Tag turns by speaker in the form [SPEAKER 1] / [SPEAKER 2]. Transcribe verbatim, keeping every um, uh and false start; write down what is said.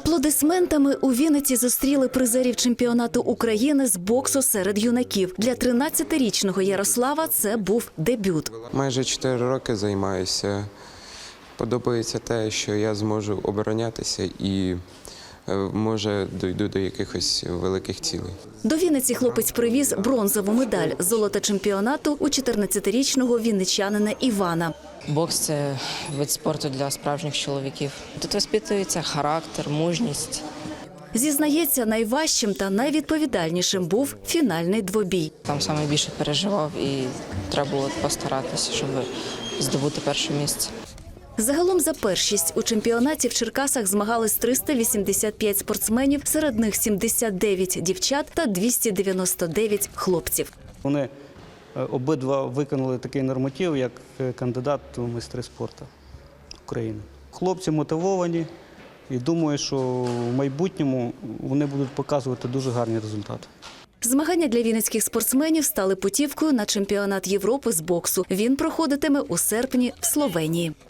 [SPEAKER 1] Аплодисментами у Вінниці зустріли призерів чемпіонату України з боксу серед юнаків. Для тринадцятирічного Ярослава це був дебют.
[SPEAKER 2] Майже чотири роки займаюся. Подобається те, що я зможу оборонятися і, може, дійду до якихось великих цілей.
[SPEAKER 1] До Вінниці хлопець привіз бронзову медаль – золото чемпіонату у чотирнадцятирічного вінничанина Івана.
[SPEAKER 3] Бокс – це вид спорту для справжніх чоловіків. Тут воспитується характер, мужність.
[SPEAKER 1] Зізнається, найважчим та найвідповідальнішим був фінальний двобій.
[SPEAKER 3] Там саме більше переживав і треба було постаратися, щоб здобути перше місце.
[SPEAKER 1] Загалом за першість у чемпіонаті в Черкасах змагались триста вісімдесят п'ять спортсменів, серед них сімдесят дев'ять дівчат та двісті дев'яносто дев'ять хлопців.
[SPEAKER 4] Вони обидва виконали такий норматив, як кандидат у майстри спорту України. Хлопці мотивовані і думаю, що в майбутньому вони будуть показувати дуже гарні результати.
[SPEAKER 1] Змагання для вінницьких спортсменів стали путівкою на чемпіонат Європи з боксу. Він проходитиме у серпні в Словенії.